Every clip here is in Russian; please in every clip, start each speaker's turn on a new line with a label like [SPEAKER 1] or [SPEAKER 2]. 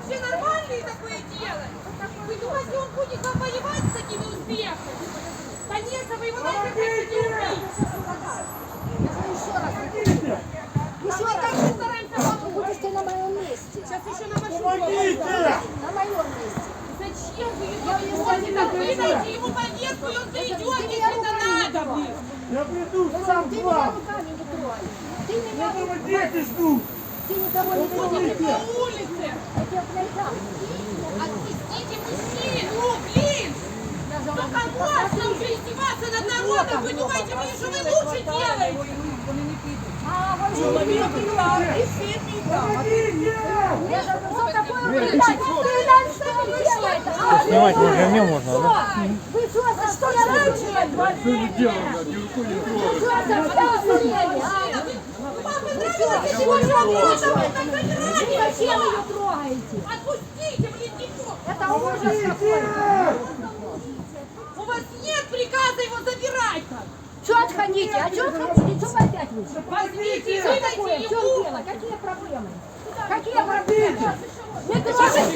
[SPEAKER 1] вообще нормальные такое делать? Вы думаете, он будет вам воевать с такими успехами? Конечно, вы его нахер хотите убить.
[SPEAKER 2] Еще
[SPEAKER 1] Мы так же стараемся вам убить.
[SPEAKER 2] будешь ты на моем месте.
[SPEAKER 1] Сейчас еще на вашу
[SPEAKER 3] Помогите!
[SPEAKER 2] На моем месте.
[SPEAKER 1] Зачем вы его везете? Так вы дайте ему повестку, и он зайдет, если это надо, блин.
[SPEAKER 3] Я приду сам
[SPEAKER 2] Ты
[SPEAKER 3] к
[SPEAKER 2] меня
[SPEAKER 3] вам!
[SPEAKER 2] руками не трогай. Ты меня
[SPEAKER 3] Этого дети ждут!
[SPEAKER 2] Ты никого не
[SPEAKER 1] Ходите
[SPEAKER 2] трогай.
[SPEAKER 1] по улице.
[SPEAKER 2] Я тебя найдам.
[SPEAKER 1] Отпустите мужчин. Ну, блин. Только можно уже издеваться над народом. Вы думаете, что вы лучше делаете?
[SPEAKER 2] А, вот что ты Я же что такое убивать? Ты нам что делаете?
[SPEAKER 4] Снимать уже не можно, да?
[SPEAKER 2] Вы что за что раньше?
[SPEAKER 3] Что вы делаете? Руку не трогайте!
[SPEAKER 2] Что за вторжение?
[SPEAKER 1] Вам понравилось сегодня работа в этом
[SPEAKER 2] Зачем
[SPEAKER 1] заграде?
[SPEAKER 2] вы ее трогаете?
[SPEAKER 1] Отпустите, блин, тихо.
[SPEAKER 2] Это ужас какой.
[SPEAKER 1] У вас нет приказа его забирать.
[SPEAKER 2] Что отходите? А что отходите? Что вы опять вышли?
[SPEAKER 1] Возьмите,
[SPEAKER 2] Что такое?
[SPEAKER 1] выдайте
[SPEAKER 2] В чем
[SPEAKER 1] ему.
[SPEAKER 2] дело? Какие проблемы? Какие проблемы? Не трогайте!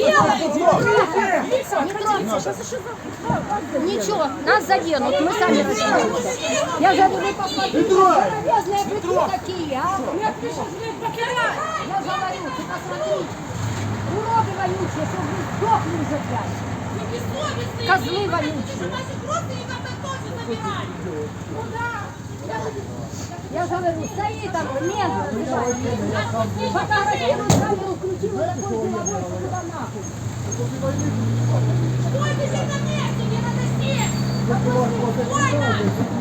[SPEAKER 2] Не трогайте! Ничего, нас заденут, мы сами разберемся. Я говорю, вы посмотрите, железные быки такие, а? Я говорю, ты посмотри. Уроды вонючие, чтобы вы сдохли уже, блядь.
[SPEAKER 1] Вы бессовестные.
[SPEAKER 2] Козлы
[SPEAKER 1] Вы
[SPEAKER 2] вонючие.
[SPEAKER 1] хотите, чтобы наших родственников тоже забирали. Ну да.
[SPEAKER 2] Я же говорю, стоит оно, медленно. Фотографирует камеру, включила такой деловой, что туда нахуй.
[SPEAKER 1] Стойте на месте, не надо сесть. Спокойно.